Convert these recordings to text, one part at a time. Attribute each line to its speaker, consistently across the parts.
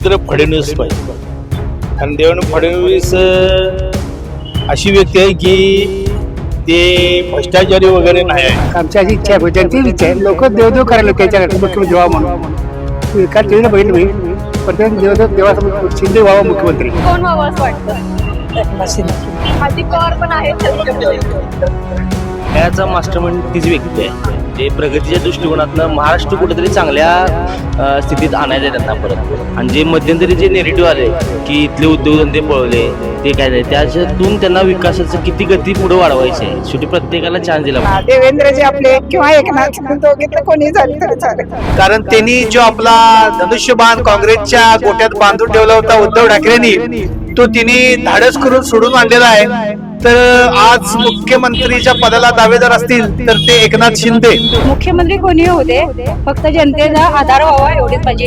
Speaker 1: तर फडणवीस पाहिजे. कारण देवेंद्र फडणवीस अशी व्यक्ती आहे की ते भ्रष्टाचारी वगैरे नाही आहे.
Speaker 2: आमची अशी इच्छा आहे, जनतेची इच्छा आहे. लोक देवदेव करायला त्याच्याकडे मुख्यमंत्री व्हावा म्हणून विकास केलेला बघितलं मी, पण ते देवदेव देवासमोर शिंदे व्हावा मुख्यमंत्री.
Speaker 3: कोण व्हावं असं वाटतं? हार्दिक पवार पण आहेत.
Speaker 4: याचा मास्टरमाइंड तीच व्यक्ती आहे जे प्रगतीच्या दृष्टिकोनातनं महाराष्ट्र कुठेतरी चांगल्या स्थितीत आणायचं आहे त्यांना परत. आणि जे मध्यंतरी जे नेरेटिव्ह आले की इथले उद्योगधंदे पळवले ते काय नाही, त्याच्यातून त्यांना विकासाचं किती गती पुढे वाढवायची आहे. शेवटी प्रत्येकाला चान्स दिला.
Speaker 5: देवेंद्रजी आपले किंवा एकनाथ दोघीतलं कोणी झालं तरी चालेल.
Speaker 6: कारण त्यांनी जो आपला धनुष्यबाण काँग्रेसच्या गोट्यात बांधून ठेवला होता उद्धव ठाकरेंनी, तो तिने धाडस करून सोडून आणलेला आहे. तर आज मुख्यमंत्रीच्या पदाला दावेदार असतील तर ते एकनाथ शिंदे.
Speaker 3: मुख्यमंत्री कोणी होऊ दे, फक्त जनतेचा आधार व्हावा एवढीच पाहिजे.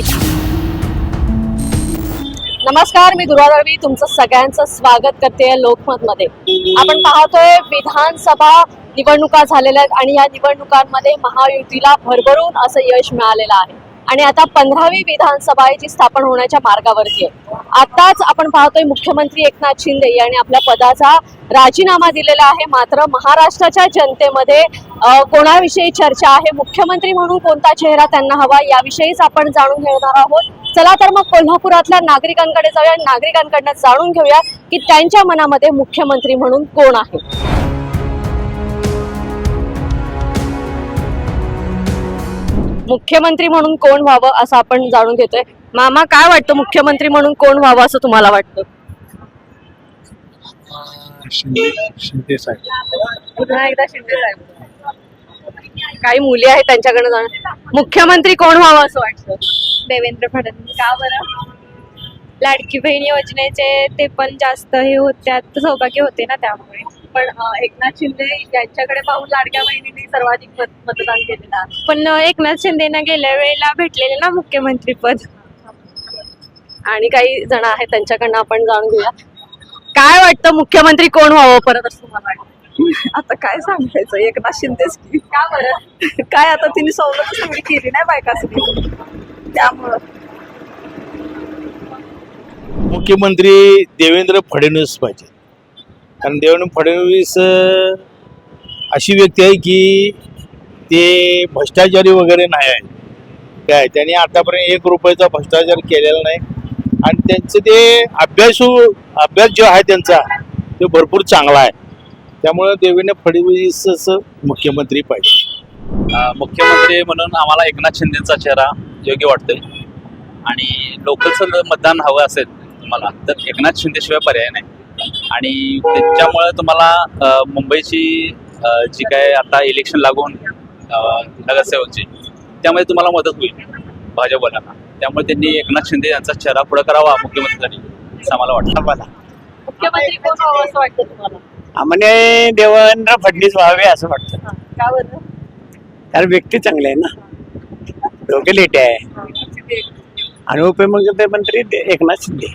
Speaker 3: नमस्कार, मी दुर्वा दळवी तुमचं सगळ्यांचं स्वागत करते लोकमत मध्ये. आपण पाहतोय विधानसभा निवडणुका झालेल्या आहेत आणि या निवडणुकांमध्ये महायुतीला भरभरून असं यश मिळालेलं आहे आणि आता 15वी विधानसभा आहे जी स्थापन होण्याच्या मार्गावरती आहे. आताच आपण पाहतोय मुख्यमंत्री एकनाथ शिंदे यांनी आपल्या पदाचा राजीनामा दिलेला आहे. मात्र महाराष्ट्राच्या जनतेमध्ये कोणाविषयी चर्चा आहे, मुख्यमंत्री म्हणून कोणता चेहरा त्यांना हवा, याविषयीच आपण जाणून घेणार आहोत. चला तर मग कोल्हापुरातल्या नागरिकांकडे जाऊया, नागरिकांकडनं जाणून घेऊया की त्यांच्या मनामध्ये मुख्यमंत्री म्हणून कोण आहे. मुख्यमंत्री म्हणून कोण व्हावं असं आपण जाणून घेतोय. मामा, काय वाटतं मुख्यमंत्री म्हणून कोण व्हावं असं तुम्हाला वाटतं?
Speaker 1: शिंदे साहेब.
Speaker 3: पुन्हा एकदा शिंदे साहेब. काही मुली आहेत त्यांच्याकडे जाणं. मुख्यमंत्री कोण व्हावं असं वाटतं?
Speaker 7: देवेंद्र फडणवीस. का बरं? लाडकी बहीण योजनेचे ते पण जास्त हे होत्यात, सौभाग्य होते ना त्यामुळे.
Speaker 3: पण एकनाथ शिंदे यांच्याकडे पाहून लाडक्या बहिणींनी सर्वाधिक मतदान केलेलं आहे.
Speaker 7: पण एकनाथ शिंदेना गेल्या वेळेला भेटलेले ना मुख्यमंत्री पद.
Speaker 3: आणि काही जण आहेत त्यांच्याकडनं आपण जाणून घेऊया. काय वाटतं मुख्यमंत्री कोण व्हावं परत असं तुम्हाला वाटतं?
Speaker 5: आता काय सांगायचं, एकनाथ शिंदेच की.
Speaker 3: का बरं?
Speaker 5: काय आता तिने सवलत सगळी केली नाही बायकासाठी, त्यामुळं.
Speaker 1: मुख्यमंत्री देवेंद्र फडणवीस पाहिजे. कारण देवेंद्र फडणवीस अशी व्यक्ती आहे की ते भ्रष्टाचारी वगैरे नाही आहे. काय त्यांनी आतापर्यंत 1 रुपयाचा भ्रष्टाचार केलेला नाही आणि त्यांचं ते अभ्यास जो आहे त्यांचा तो भरपूर चांगला आहे. त्यामुळे देवेंद्र फडणवीस मुख्यमंत्री पाहिजे.
Speaker 8: मुख्यमंत्री म्हणून आम्हाला एकनाथ शिंदेचा चेहरा योग्य वाटतोय आणि लोकलचं मतदान हवं असेल तुम्हाला तर एकनाथ शिंदेशिवाय पर्याय नाही. आणि त्याच्यामुळे तुम्हाला मुंबईची जी काय आता इलेक्शन लागून नगरसेवकची त्यामध्ये तुम्हाला मदत होईल भाजपवाल्यांना. त्यामुळे त्यांनी एकनाथ शिंदे यांचा चेहरा पुढे करावा मुख्यमंत्र्यांनी असं आम्हाला वाटतं.
Speaker 3: मुख्यमंत्री कोण व्हावं असं वाटतं तुम्हाला?
Speaker 2: आम्हाला देवेंद्र फडणवीस व्हावे असं वाटतं.
Speaker 3: का बरं?
Speaker 2: कारण व्यक्ती चांगले आहे ना, दोघे लेटे आहे. आणि उपमुख्यमंत्री एकनाथ शिंदे.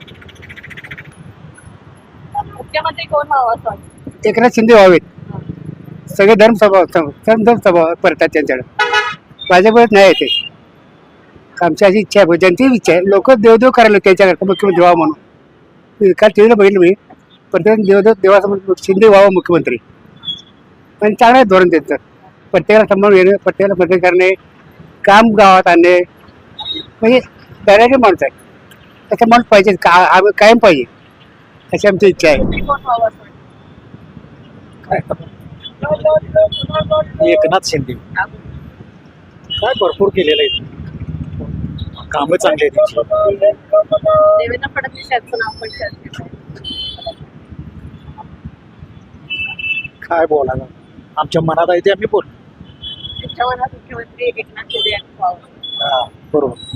Speaker 3: मुख्यमंत्री कोण व्हावं असं वाटतं?
Speaker 2: एकनाथ शिंदे व्हावेत. सगळे धर्मसभा परतात त्यांच्याकडे, भाजपत नाही येते. आमची अशी इच्छा आहे, जनतेची इच्छा आहे. लोक देवदेव करायला त्याच्याकडे मुख्यमंत्री व्हावा म्हणून विकास केलेला बघितलं मी, पण ते देवदेव देवासमोर शिंदे व्हावा मुख्यमंत्री. पण चांगलं आहे धोरण त्यांचं. प्रत्येकाला सांभाळून येणं, प्रत्येकाला मदत करणे, काम गावात आणणे, म्हणजे दराचे माणूस आहे. तसं माणूस पाहिजे, कायम पाहिजे अशी आमची इच्छा आहे.
Speaker 3: कोण व्हावं असं वाटतं?
Speaker 6: एकनाथ शिंदे काय भरपूर केलेलं आहे, कामं चांगली आहेत त्यांची.
Speaker 3: देवेंद्र फडणवीस यांचं नाव पण चर्चेत आहे.
Speaker 6: काय बोलायला आमच्या मनात आहे ते आम्ही बोल.
Speaker 3: त्यांच्या मनात मुख्यमंत्री एकनाथ शिंदे यांचं व्हावं.
Speaker 6: बरोबर.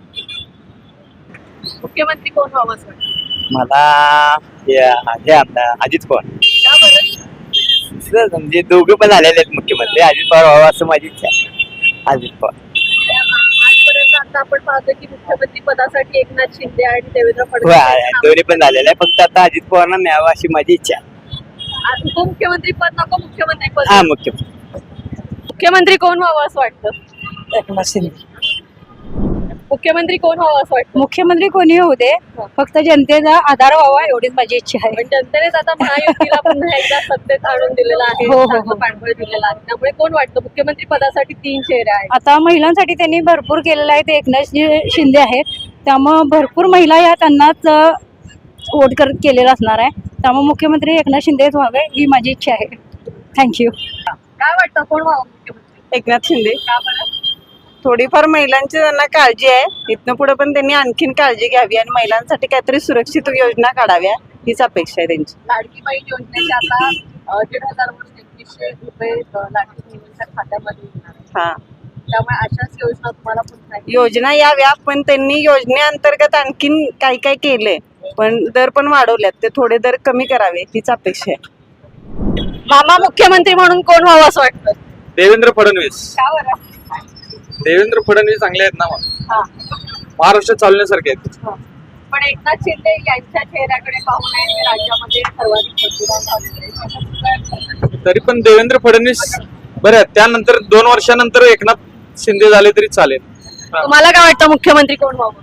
Speaker 3: मुख्यमंत्री कोण व्हावं असं वाटतं?
Speaker 4: मला हे आपला अजित पवार.
Speaker 3: का बरं?
Speaker 4: म्हणजे दोघे पण आलेले आहेत मुख्यमंत्री. अजित पवार व्हावं असं माझी इच्छा आहे. अजित पवार.
Speaker 3: आजपर्यंत आता आपण पाहतो की मुख्यमंत्री पदासाठी एकनाथ शिंदे आणि देवेंद्र फडणवीस
Speaker 4: दोन्ही पण झालेलं आहे, फक्त आता अजित पवारांना मिळावं अशी माझी इच्छा आहे.
Speaker 3: उपमुख्यमंत्री पद नको, मुख्यमंत्री पद.
Speaker 4: हा, मुख्यमंत्री.
Speaker 3: मुख्यमंत्री कोण व्हावं असं वाटतं?
Speaker 5: एकनाथ शिंदे.
Speaker 3: मुख्यमंत्री कोण व्हावं असं वाटतं?
Speaker 5: मुख्यमंत्री कोणी होऊ दे, फक्त जनतेचा आधार व्हावा एवढीच माझी इच्छा आहे.
Speaker 3: पण जनतेनेच आता महायुतीला पुन्हा एकदा सत्तेत आणून दिलेलं आहे,
Speaker 5: हो, हो,
Speaker 3: चांगलं
Speaker 5: हो.
Speaker 3: पाठबळ दिलेलं आहे. त्यामुळे कोण वाटतं मुख्यमंत्री पदासाठी 3 चेहरे आहेत.
Speaker 5: आता महिलांसाठी त्यांनी भरपूर केलेलं आहे. ते एकनाथ शिंदे आहेत, त्यामुळं भरपूर महिला या त्यांनाच वोट केलेलं असणार आहे. त्यामुळे मुख्यमंत्री एकनाथ शिंदेच व्हावे ही माझी इच्छा आहे. थँक्यू.
Speaker 3: काय वाटतं कोण व्हावं मुख्यमंत्री?
Speaker 9: एकनाथ शिंदे.
Speaker 3: का बरं?
Speaker 9: थोडीफार महिलांची त्यांना काळजी आहे. इथनं पुढे पण त्यांनी आणखीन काळजी घ्यावी आणि महिलांसाठी काहीतरी सुरक्षित योजना काढाव्या हीच अपेक्षा आहे त्यांची.
Speaker 3: लाडकी बहीण योजनेचे आता 1,500 2100 रुपये लाडकी बहिणींच्या खात्यामध्ये येणार आहे.
Speaker 9: हा,
Speaker 3: त्यामुळे अशाच योजना तुम्हाला पुन्हा एकदा-
Speaker 9: योजना याव्या, पण त्यांनी योजनेअंतर्गत आणखीन काही काय केलंय, पण दर पण वाढवल्यात. ते थोडे दर कमी करावे हीच अपेक्षा आहे.
Speaker 3: मामा मुख्यमंत्री म्हणून कोण व्हावं असं वाटतं?
Speaker 8: देवेंद्र फडणवीस.
Speaker 3: का बरं?
Speaker 8: देवेंद्र फडणवीस चांगले आहेत ना,
Speaker 3: हा.
Speaker 8: महाराष्ट्र चालण्यासारखे आहेत.
Speaker 3: पण एकनाथ शिंदे यांच्या चेहऱ्याकडे पाहून आहे राज्यामध्ये सर्वाधिक मतदान झालेलं आहे.
Speaker 8: तरी पण देवेंद्र फडणवीस बरं आहेत. त्यानंतर 2 वर्षानंतर एकनाथ शिंदे झाले तरी चालेल.
Speaker 3: तुम्हाला काय वाटतं मुख्यमंत्री कोण व्हावं?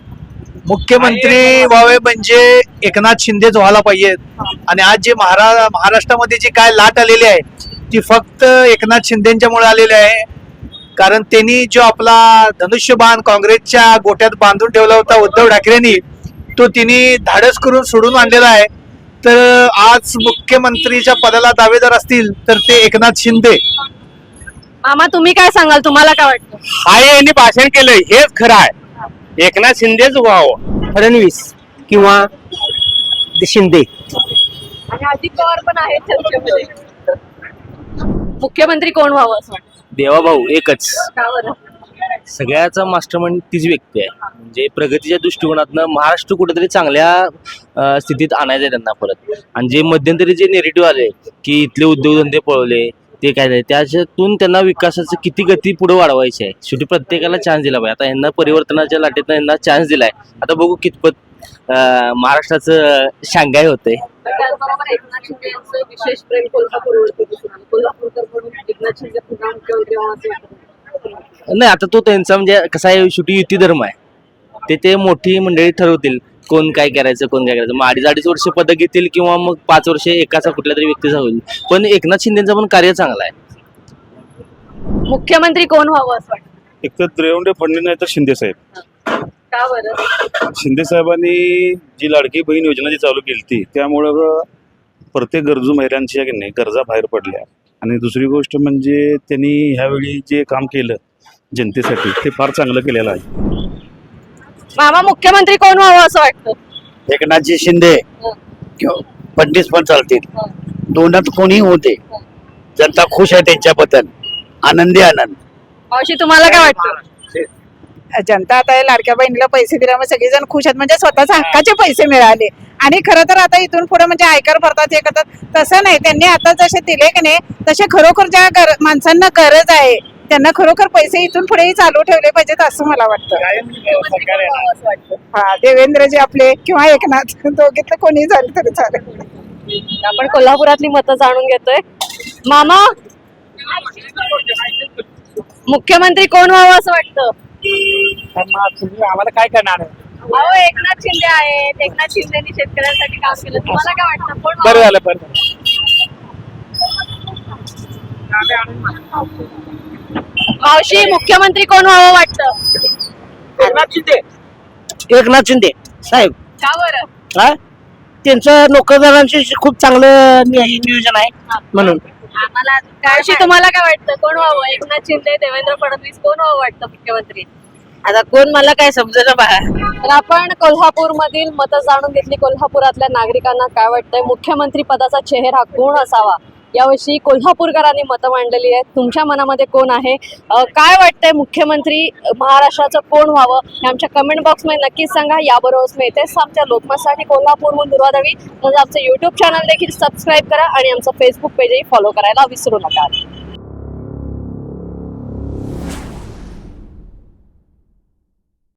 Speaker 6: मुख्यमंत्री व्हावे म्हणजे एकनाथ शिंदेच व्हायला पाहिजेत. आणि आज जे महाराष्ट्रामध्ये जी काय लाट आलेली आहे ती फक्त एकनाथ शिंदेच्यामुळे आलेली आहे. कारण त्यांनी जो आपला धनुष्यबाण काँग्रेसच्या गोट्यात बांधून ठेवला होता उद्धव ठाकरेंनी, तो तिने धाडस करून सोडून आणलेला आहे. तर आज मुख्यमंत्रीच्या पदाला दावेदार असतील तर ते एकनाथ शिंदे.
Speaker 3: मामा तुम्ही काय सांगाल? तुम्हाला काय वाटतं?
Speaker 1: हाय यांनी भाषण केलंय हेच खरं आहे. एकनाथ शिंदेच व्हावं.
Speaker 2: फडणवीस किंवा शिंदे.
Speaker 3: आणि अजित पवार पण आहेत चर्चेमध्ये. मुख्यमंत्री कोण व्हावं असं वाटतं?
Speaker 4: देवाभाऊ एकच.
Speaker 3: का बरं?
Speaker 4: सगळ्याचा मास्टरमाइंड तीच व्यक्ती आहे. म्हणजे प्रगतीच्या दृष्टिकोनातनं महाराष्ट्र कुठेतरी चांगल्या स्थितीत आणायचं आहे त्यांना परत. आणि जे मध्यंतरी जे नेरेटिव्ह आले की इथले उद्योगधंदे पळवले ते काय झाले, त्याच्यातून त्यांना विकासाचं किती गती पुढे वाढवायची आहे. शेवटी प्रत्येकाला चान्स दिला पाहिजे. आता यांना परिवर्तनाच्या लाटेतनं यांना चान्स दिलाय. आता बघू कितपत महाराष्ट्राचं शांघाय होतंय.
Speaker 3: त्याचबरोबर एकनाथ शिंदे यांचं विशेष प्रेम कोल्हापूरवरती दिसून आलं. कोल्हापूरकर म्हणून एकनाथ शिंदे पुन्हा मुख्यमंत्री व्हावं असं वाटतं?
Speaker 4: नाही, आता तो त्यांचा म्हणजे कसा आहे, शेवटी युती धर्म आहे. ते मोठी मंडळी ठरवतील कोण काय करायचं कोण काय करायचं. मग 2.5 वर्ष पदक घेतील किंवा मग 5 वर्ष एकाचा कुठल्या तरी व्यक्तीचा होईल. पण एकनाथ शिंदेचं पण कार्य चांगलं आहे.
Speaker 3: मुख्यमंत्री कोण व्हावं असं वाटतं?
Speaker 10: एक तर देवेंद्र फडणवीस नाही तर शिंदे साहेब.
Speaker 3: का बरं?
Speaker 10: शिंदे साहेबांनी जी लाडकी बहीण योजना जी चालू केली ती त्यामुळं प्रत्येक गरजू महिलांच्या की नाही गरजा बाहेर पडल्या. आणि दुसरी गोष्ट म्हणजे त्यांनी ह्यावेळी जे काम केलं जनतेसाठी ते फार चांगलं केलेलं आहे.
Speaker 3: मामा मुख्यमंत्री कोण व्हावं असं वाटतं?
Speaker 2: एकनाथजी शिंदे किंवा फडणवीस पण चालतील. दोनात कोणी होते, जनता खुश आहे त्यांच्याबद्दल. आनंदी आनंद.
Speaker 3: मावशी तुम्हाला काय वाटतं?
Speaker 5: जनता आता लाडक्या बहिणीला पैसे दिल्यामुळे सगळेजण खुश आहेत. म्हणजे स्वतःच्या हक्काचे पैसे मिळाले. आणि खरं तर आता इथून पुढे म्हणजे आयकर भरतात हे करतात तसं नाही. त्यांनी आता जसे दिले की नाही तसे खरोखर ज्या माणसांना गरज आहे त्यांना खरोखर पैसे इथून पुढेही चालू ठेवले पाहिजेत असं मला वाटतं. हा, देवेंद्रजी आपले किंवा एकनाथ दोघीतलं कोणी झालं तरी चालेल.
Speaker 3: आपण कोल्हापुरातली मतं जाणून घेतोय. मामा मुख्यमंत्री कोण व्हावं असं वाटतं?
Speaker 2: आम्हाला काय करणार आहे?
Speaker 3: अहो एकनाथ शिंदे आहेत. एकनाथ शिंदेनी शेतकऱ्यांसाठी काम केलं. तुम्हाला काय वाटतं कोण
Speaker 2: बरं
Speaker 3: व्हावं?
Speaker 2: झालं बरं.
Speaker 3: मावशी मुख्यमंत्री कोण व्हावं वाटतं?
Speaker 2: एकनाथ शिंदे साहेब.
Speaker 3: का बरं?
Speaker 2: हा, त्यांचं नोकरदारांशी खूप चांगलं नियोजन आहे म्हणून.
Speaker 3: मावशी तुम्हाला काय वाटतं कोण व्हावं? एकनाथ शिंदे, देवेंद्र फडणवीस कोण व्हावं वाटतं मुख्यमंत्री?
Speaker 9: आता कोण मला काय समजेल बा.
Speaker 3: तर आपण कोल्हापूर मधील मतं जाणून घेतली. कोल्हापुरातल्या नागरिकांना काय वाटतंय मुख्यमंत्री पदाचा चेहरा कोण असावा याविषयी कोल्हापूरकरांनी मतं मांडलेली आहेत. तुमच्या मनामध्ये कोण आहे? काय वाटतंय मुख्यमंत्री महाराष्ट्राचं कोण व्हावं हे आमच्या कमेंट बॉक्समध्ये नक्कीच सांगा. याबरोबरच मी इथेच आमच्या लोकमतसाठी कोल्हापूरहून दुर्वा दळवी. तसंच आमचं युट्यूब चॅनल देखील सबस्क्राईब करा आणि आमचं फेसबुक पेजही फॉलो करायला विसरू नका.